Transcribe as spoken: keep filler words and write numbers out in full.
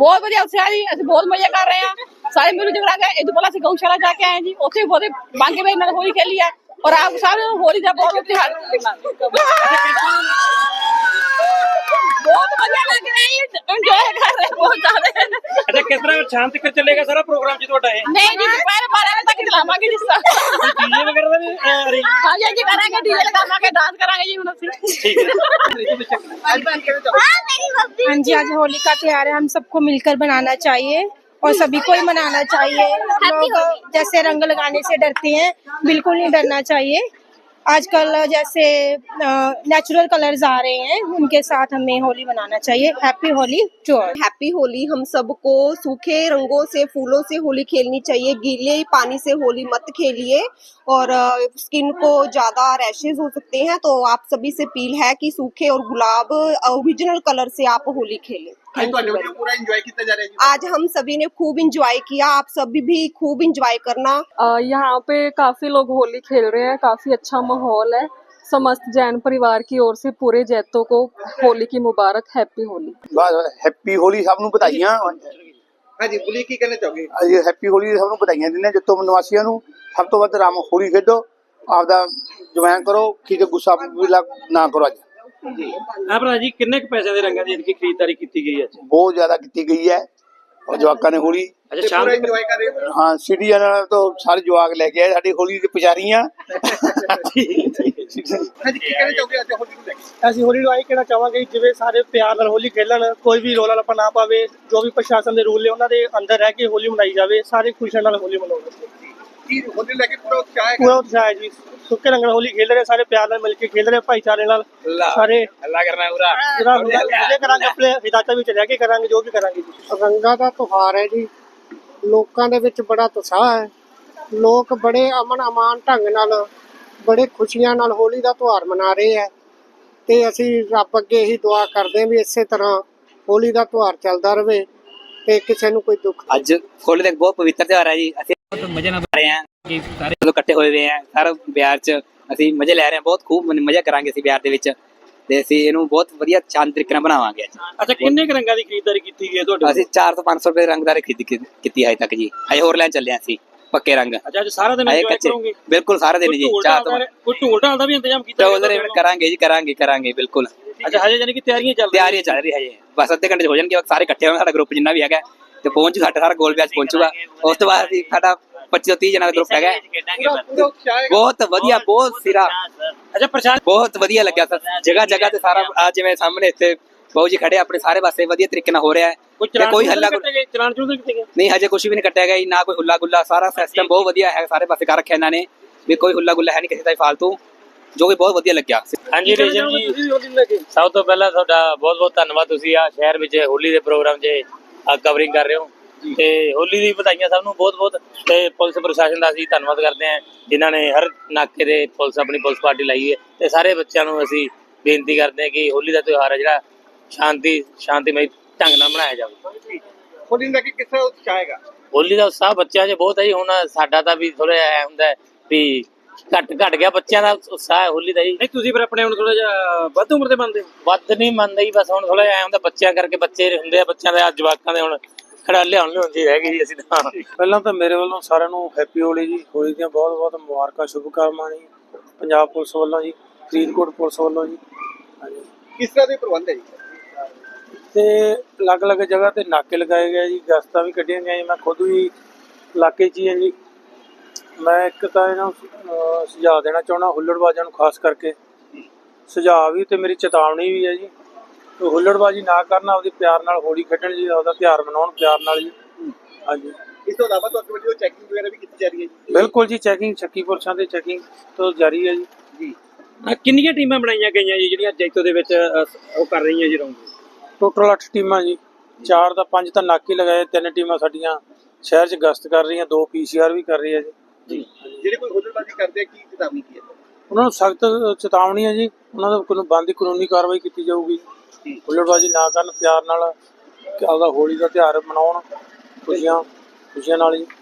बहुत बढ़िया उत्साह जी, असं बहुत मजा कर रहे हैं सारे मिल जुल के। इधर पहले असं गौशाला जाके आए जी, उत्थे भी बहुत बांके में नाल होली खेली है और आप सारे होली का बहुत त्योहार बहुत मजा लग रहा है, एंजॉय कर रहे हैं बहुत ज्यादा। अच्छा, किस तरह शाम तक चलेगा सारा प्रोग्राम जी ਤੁਹਾਡਾ ਇਹ? नहीं जी, दोपहर बारह बजे तक चलावांगे जिस तरह डीजे वगैरह ਦਾ ਵੀ ਅਰੇਂਜ? हाँ जी जी करेंगे, डीजे लगावांगे, डांस करांगे जी। हम ठीक है। हाँ जी, आज होली का त्योहार है, हम सबको मिलकर बनाना चाहिए और सभी को ही मनाना चाहिए। लोग जैसे रंग लगाने से डरते हैं, बिल्कुल नहीं डरना चाहिए। आजकल जैसे नेचुरल कलर्स आ रहे हैं, उनके साथ हमें होली मनाना चाहिए। Happy Holi to all. Happy Holi. हम सबको सूखे रंगों से, फूलों से होली खेलनी चाहिए। गीले पानी से होली मत खेलिए और स्किन को ज़्यादा रैशेज हो सकते हैं, तो आप सभी से अपील है कि सूखे और गुलाब ओरिजिनल कलर से आप होली खेलें। पूरा एंजॉय किया जा रहा है। आज हम सभी ने खूब इंजॉय किया, आप सभी भी खूब इंजॉय करना। यहाँ पे काफी लोग होली खेल रहे हैं, काफी अच्छा माहौल है। समस्त जैन परिवार की ओर से पूरे जैतों को होली की मुबारक। हैप्पी होली। हैप्पी होली सब ਨੂੰ ਵਧਾਈਆਂ। ਹਾਂਜੀ, ਬੋਲੀ ਕੀ ਕਹਿਣਾ ਚਾਹੋਗੇ? ਅੱਜ ਹੈਪੀ ਹੋਲੀ ਸਭ ਨੂੰ ਵਧਾਈਆਂ ਦਿੰਦੇ ਜਿੱਤੋਂ ਨਿਵਾਸੀਆਂ ਨੂੰ। ਸਭ ਤੋਂ ਵੱਧ ਰਾਮ ਹੋਲੀ ਖੇਡੋ, ਆਪਦਾ ਜਵਾਨ ਕਰੋ, ਠੀਕ ਹੈ, ਗੁੱਸਾ ਵੀ ਨਾ ਕਰੋ। ਅੱਜ ਜੀ ਆ ਭਰਾ ਜੀ, ਕਿੰਨੇ ਕੁ ਪੈਸੇ ਦੇ ਰੰਗਾਂ ਦੀ ਇਨਕੀ ਖਰੀਦਦਾਰੀ ਕੀਤੀ ਗਈ ਹੈ? ਬਹੁਤ ਜ਼ਿਆਦਾ ਕੀਤੀ ਗਈ ਹੈ और ਜਵਾਕਾਂ ਨੇ ਹੋਲੀ अच्छा शाम पूरा एंजॉय कर रहे हो? हाँ, सीढ़ियां तो सारे जवाक लेके आए साडी होली दी पुजारियां। ਹਾਂਜੀ, ਕੀ ਕਹਿਣਾ ਚਾਹੋਗੇ ਅੱਜ ਹੋਲੀ ਨੂੰ ਲੈ ਕੇ? ਅਸੀਂ ਹੋਲੀ ਨੂੰ ਆਹੀ ਕਹਿਣਾ ਚਾਹਾਂਗੇ ਕਿ ਜਿਵੇਂ ਸਾਰੇ ਪਿਆਰ ਨਾਲ ਹੋਲੀ ਖੇਲਣ, ਕੋਈ ਵੀ ਰੌਲਾ ਰੱਪਾ ਨਾ ਪਾਵੇ, ਜੋ ਵੀ ਪ੍ਰਸ਼ਾਸਨ ਦੇ ਰੂਲ ਨੇ ਉਹਨਾਂ ਦੇ ਅੰਦਰ ਰਹਿ ਕੇ ਹੋਲੀ ਮਨਾਈ ਜਾਵੇ, ਸਾਰੇ ਖੁਸ਼ੀ ਨਾਲ ਹੋਲੀ ਮਨਾਉਣ। ਕੀ ਹੋਲੀ ਲੈ ਕੇ ਪੂਰਾ ਉਤਸ਼ਾਹ ਹੈ? ਪੂਰਾ ਉਤਸ਼ਾਹ ਹੈ ਜੀ, ਸੁੱਕੇ ਰੰਗ ਨਾਲ ਹੋਲੀ ਖੇਲ ਰਹੇ, ਸਾਰੇ ਪਿਆਰ ਨਾਲ ਮਿਲ ਕੇ ਖੇਲ ਰਹੇ, ਭਾਈਚਾਰੇ ਨਾਲ ਸਾਰੇ ਅੱਲਾ ਕਰਨਾ ਪੂਰਾ ਪੂਰਾ ਮਜ਼ੇ ਕਰਾਂਗੇ, ਆਪਣੇ ਹਿਦਾਇਤਾਂ ਵਿੱਚ ਰਹਿ ਕੇ ਕਰਾਂਗੇ, ਜੋ ਵੀ ਕਰਾਂਗੇ ਜੀ। ਰੰਗਾਂ ਦਾ ਤਿਉਹਾਰ ਹੈ ਜੀ, ਲੋਕਾਂ ਦੇ ਵਿੱਚ ਬੜਾ ਉਤਸ਼ਾਹ ਹੈ। ਲੋਕ ਬੜੇ ਅਮਨ ਅਮਾਨ ਢੰਗ ਨਾਲ, ਬੜੇ ਖੁਸ਼ੀਆਂ ਨਾਲ ਹੋਲੀ ਦਾ ਤਿਉਹਾਰ ਮਨਾ ਰਹੇ ਹੈ ਤੇ ਅਸੀਂ ਰੱਬ ਅੱਗੇ ਇਹੀ ਦੁਆ ਕਰਦੇ ਹਾਂ ਵੀ ਇਸੇ ਤਰ੍ਹਾਂ ਹੋਲੀ ਦਾ ਤਿਉਹਾਰ ਚੱਲਦਾ ਰਹੇ ਤੇ ਕਿਸੇ ਨੂੰ ਕੋਈ ਦੁੱਖ। ਅੱਜ ਹੋਲੀ ਦਾ ਬਹੁਤ ਪਵਿੱਤਰ ਤਿਉਹਾਰ ਹੈ ਜੀ, ਅਸੀਂ ਬਹੁਤ ਮਜ਼ੇ ਨਾਲ ਮਨਾ ਰਹੇ ਹਾਂ ਕਿ ਸਾਰੇ ਲੋਕ ਇਕੱਠੇ ਹੋਏ ਹੋਏ ਆ। ਸਾਰਾ ਬਿਹਾਰ 'ਚ ਅਸੀਂ ਮਜ਼ੇ ਲੈ ਰਹੇ ਹਾਂ, ਬਹੁਤ ਖੂਬ ਮਜ਼ਾ ਕਰਾਂਗੇ ਅਸੀਂ ਬਿਹਾਰ ਦੇ ਵਿੱਚ ਤੇ ਅਸੀਂ ਇਹਨੂੰ ਬਹੁਤ ਵਧੀਆ ਸ਼ਾਨਦਾਰ ਤਰੀਕੇ ਨਾਲ ਬਣਾਵਾਂਗੇ ਅੱਜ। ਅੱਛਾ, ਕਿੰਨੇ ਕੁ ਰੰਗਾਂ ਦੀ ਖਰੀਦਦਾਰੀ ਕੀਤੀ ਗਈ ਹੈ ਤੁਹਾਡੇ? ਅਸੀਂ ਚਾਰ ਤੋਂ ਪੰਜ ਸੌ ਰੁਪਏ ਰੰਗਦਾਰੀ ਖਰੀਦ ਕੀਤੀ ਹੈ ਅਜੇ ਤੱਕ ਜੀ, ਹਜੇ ਹੋਰ ਲੈਣ ਚੱਲੇ ਹਾਂ ਅਸੀਂ ਪੱਕੇ ਰੰਗ। ਅੱਛਾ, ਅੱਜ ਸਾਰਾ ਦਿਨ ਇੰਜੋਏ ਕਰੋਗੇ? ਬਿਲਕੁਲ ਸਾਰਾ ਦਿਨ ਜੀ। ਚਾਰ ਤੋਂ ਕੋਈ ਢੋਲ ਢਾਲ ਦਾ ਵੀ ਇੰਤਜ਼ਾਮ ਕੀਤਾ? ਢੋਲ ਕਰਾਂਗੇ ਜੀ, ਕਰਾਂਗੇ ਕਰਾਂਗੇ ਬਿਲਕੁਲ। ਅੱਛਾ, ਹਜੇ ਯਾਨੀ ਕਿ ਤਿਆਰੀਆਂ ਚੱਲ ਰਹੀਆਂ? ਤਿਆਰੀਆਂ ਚੱਲ ਰਹੀ ਹਜੇ, ਬਸ ਅੱਧੇ ਘੰਟੇ 'ਚ ਹੋ ਜਾਣਗੇ, ਸਾਰੇ ਇਕੱਠੇ ਹੋਣਗੇ, ਸਾਡਾ ਗਰੁੱਪ ਜਿੰਨਾ ਵੀ ਹੈਗਾ ਤੇ ਪਹੁੰਚ ਸਾਡਾ ਸਾਰਾ ਗੋਲ ਵਿਆਜ ਪਹੁੰਚੂਗਾ। ਉਸ ਤੋਂ ਬਾਅਦ ਅਸੀਂ ਸਾਡਾ ਪੱਚੀ ਤੋਂ ਤੀਹ ਜਣਾ ਦਾ ਗਰੁੱਪ ਹੈਗਾ, ਬਹੁਤ ਵਧੀਆ, ਬਹੁਤ ਸਿਰਾ। ਅੱਛਾ, ਪ੍ਰਸ਼ਾਸਨ ਬਹੁਤ ਵਧੀਆ ਲੱਗਿਆ ਸਰ, ਜਗ੍ਹਾ ਜਗ੍ਹਾ ਤੇ ਸਾਰਾ ਆ ਜਿਵੇਂ ਸਾਹਮਣੇ ਇੱਥੇ ਬਾਊ ਜੀ ਖੜੇ ਆਪਣੇ ਸਾਰੇ ਪਾਸੇ ਵਧੀਆ ਤਰੀਕੇ ਨਾਲ ਹੋ ਰਿਹਾ ਹੈ। ਕੋਈ ਹੱਲਾ ਚਲਾਨ ਚਲੂਨ ਨਹੀਂ ਕੀਤੇ? ਨਹੀਂ, ਹਜੇ ਕੁਝ ਵੀ ਨਹੀਂ ਕੱਟਿਆ ਗਿਆ ਜੀ, ਨਾ ਕੋਈ ਹੁੱਲਾ ਗੁੱਲਾ। ਸਾਰਾ ਸਿਸਟਮ ਬਹੁਤ ਵਧੀਆ ਹੈ, ਸਾਰੇ ਪਾਸੇ ਕਰ ਰੱਖਿਆ ਇਹਨਾਂ ਨੇ ਵੀ ਕੋਈ ਹੁੱਲਾ ਗੁੱਲਾ ਹੈ ਨਹੀਂ ਕਿਸੇ ਦਾ ਫਾਲਤੂ, ਜੋ ਕਿ ਬਹੁਤ ਵਧੀਆ ਲੱਗਿਆ। ਹਾਂਜੀ ਰੇਜਨ ਜੀ, ਸਭ ਤੋਂ ਪਹਿਲਾਂ ਤੁਹਾਡਾ ਬਹੁਤ ਬਹੁਤ ਧੰਨਵਾਦ, ਤੁਸੀਂ ਆ ਸ਼ਹਿਰ ਵਿੱਚ ਹੋਲੀ ਦੇ ਪ੍ਰੋਗਰਾਮ 'ਚ ਕਵਰਿੰਗ ਕਰ ਰਹੇ ਹੋ ਤੇ ਹੋਲੀ ਦੀ ਵਧਾਈਆਂ ਸਭ ਨੂੰ ਬਹੁਤ ਬਹੁਤ। ਤੇ ਪੁਲਿਸ ਪ੍ਰਸ਼ਾਸਨ ਦਾ ਅਸੀਂ ਧੰਨਵਾਦ ਕਰਦੇ ਹਾਂ ਜਿਨ੍ਹਾਂ ਨੇ ਹਰ ਨਾਕੇ ਦੇ ਪੁਲਿਸ ਆਪਣੀ ਪੁਲਿਸ ਪਾਰਟੀ ਲਾਈ ਹੈ ਤੇ ਸਾਰੇ ਬੱਚਿਆਂ ਨੂੰ ਅਸੀਂ ਬੇਨਤੀ ਕਰਦੇ ਹਾਂ ਕਿ ਹੋਲੀ ਦਾ ਤਿਉਹਾਰ ਹੈ ਜਿਹੜਾ ਸ਼ਾਂਤੀ ਸ਼ਾਂਤੀਮਈ ਢੰਗ ਨਾਲ ਮਨਾਇਆ ਜਾਵੇ। ਹੋਲੀ ਨੂੰ ਲੈ ਕੇ ਕਿਸ ਤਰ੍ਹਾਂ ਉਤਸ਼ਾਹ ਹੈਗਾ? ਹੋਲੀ ਦਾ ਉਤਸ਼ਾਹ ਬੱਚਿਆਂ 'ਚ ਬਹੁਤ ਹੈ ਜੀ, ਹੁਣ ਸਾਡਾ ਤਾਂ ਵੀ ਥੋੜਾ ਜਿਹਾ ਹੁੰਦਾ ਵੀ ਘੱਟ ਘੱਟ ਗਿਆ ਬੱਚਿਆਂ ਦਾ ਉਤਸ਼ਾਹ ਹੈ ਹੋਲੀ ਦਾ ਜੀ। ਨਹੀਂ, ਤੁਸੀਂ ਫਿਰ ਆਪਣੇ ਹੁਣ ਥੋੜਾ ਜਿਹਾ ਵੱਧ ਉਮਰ ਦੇ ਮੰਨਦੇ? ਵੱਧ ਨਹੀਂ ਮੰਨਦੇ ਜੀ, ਬਸ ਹੁਣ ਥੋੜਾ ਜਿਹਾ ਹੁੰਦਾ ਬੱਚਿਆਂ ਕਰਕੇ, ਬੱਚੇ ਹੁੰਦੇ ਆ ਬੱਚਿਆਂ ਦੇ, ਜਵਾਕਾਂ ਦੇ ਹੁਣ ਖੜਾ ਲਿਆਉਣ ਲਿਆਉਣ ਜੀ ਰਹਿ ਗਈ ਜੀ। ਅਸੀਂ ਤਾਂ ਪਹਿਲਾਂ ਤਾਂ ਮੇਰੇ ਵੱਲੋਂ ਸਾਰਿਆਂ ਨੂੰ ਹੈਪੀ ਹੋਲੀ ਜੀ, ਹੋਲੀ ਦੀਆਂ ਬਹੁਤ ਬਹੁਤ ਮੁਬਾਰਕਾਂ, ਸ਼ੁਭਕਾਮਨਾਵਾਂ ਜੀ ਪੰਜਾਬ ਪੁਲਿਸ ਵੱਲੋਂ ਜੀ, ਫਰੀਦਕੋਟ ਪੁਲਿਸ ਵੱਲੋਂ ਜੀ। ਹਾਂਜੀ, ਕਿਸ ਤਰ੍ਹਾਂ ਦੇ ਪ੍ਰਬੰਧ ਹੈ ਜੀ? ਤੇ ਅਲੱਗ-ਅਲੱਗ ਜਗ੍ਹਾ ਤੇ ਨਾਕੇ ਲਗਾਏ ਗਏ ਜੀ, ਗਸ਼ਤਾਂ ਵੀ ਕੱਢੀਆਂ ਗਈਆਂ ਜੀ। ਮੈਂ ਖੁਦ ਵੀ ਇਲਾਕੇ 'ਚ ਹੀ ਹਾਂ ਜੀ। ਮੈਂ ਇੱਕ ਤਾਂ ਇਹਨਾਂ ਨੂੰ ਸੁਝਾਅ ਦੇਣਾ ਚਾਹੁੰਦਾ ਹੁੱਲੜਬਾਜ਼ਾਂ ਨੂੰ, ਖਾਸ ਕਰਕੇ ਸੁਝਾਅ ਵੀ ਤੇ ਮੇਰੀ ਚੇਤਾਵਨੀ ਵੀ ਹੈ ਜੀ, ਹੁੱਲੜਬਾਜ਼ੀ ਨਾ ਕਰਨ, ਆਪਦੇ ਪਿਆਰ ਨਾਲ ਹੋਲੀ ਖੇਡਣ ਜੀ, ਆਪਦਾ ਤਿਉਹਾਰ ਮਨਾਉਣ ਪਿਆਰ ਨਾਲ ਜੀ। ਹਾਂਜੀ, ਇਸ ਤੋਂ ਇਲਾਵਾ ਤੁਹਾਡੇ ਵੱਲੋਂ ਚੈਕਿੰਗ ਵਗੈਰਾ ਵੀ ਕੀਤੀ ਜਾ ਰਹੀ ਹੈ ਜੀ? ਬਿਲਕੁਲ ਜੀ, ਚੈਕਿੰਗ ਛੱਕੀ ਪੁਰਸ਼ਾਂ ਦੀ ਚੈਕਿੰਗ ਤੋਂ ਜਾਰੀ ਹੈ ਜੀ। ਜੀ, ਕਿੰਨੀਆਂ ਟੀਮਾਂ ਬਣਾਈਆਂ ਗਈਆਂ ਜੀ ਜਿਹੜੀਆਂ ਜੈਤੋ ਦੇ ਵਿੱਚ ਉਹ ਕਰ ਰਹੀਆਂ ਜੀ ਰੌਂਗ? ਟੋਟਲ ਅੱਠ ਟੀਮਾਂ ਜੀ, ਚਾਰ ਦਾ ਪੰਜ ਤਾਂ ਨਾਕੇ ਲਗਾਏ, ਤਿੰਨ ਟੀਮਾਂ ਸਾਡੀਆਂ ਸ਼ਹਿਰ 'ਚ ਗਸ਼ਤ ਕਰ ਰਹੀਆਂ, ਦੋ ਪੀ ਸੀ ਆਰ ਵੀ ਕਰ ਰਹੀ ਹੈ ਜੀ। ਜੀ, ਜਿਹੜੇ ਕੋਈ ਹੁੱਲੜਬਾਜ਼ੀ ਕਰਦੇ ਆ ਕੀ ਚੇਤਾਵਨੀ ਕੀ ਹੈ? ਉਹਨਾਂ ਨੂੰ ਸਖਤ ਚੇਤਾਵਨੀ ਹੈ ਜੀ, ਉਹਨਾਂ ਦਾ ਕੋਈ ਬਣਦੀ ਕਾਨੂੰਨੀ ਕਾਰਵਾਈ ਕੀਤੀ ਜਾਊਗੀ। ਹੁੱਲੜਬਾਜ਼ੀ ਨਾ ਕਰਨ, ਪਿਆਰ ਨਾਲ ਆਪਦਾ ਹੋਲੀ ਦਾ ਤਿਉਹਾਰ ਮਨਾਉਣ, ਖੁਸ਼ੀਆਂ ਖੁਸ਼ੀਆਂ ਨਾਲ ਜੀ।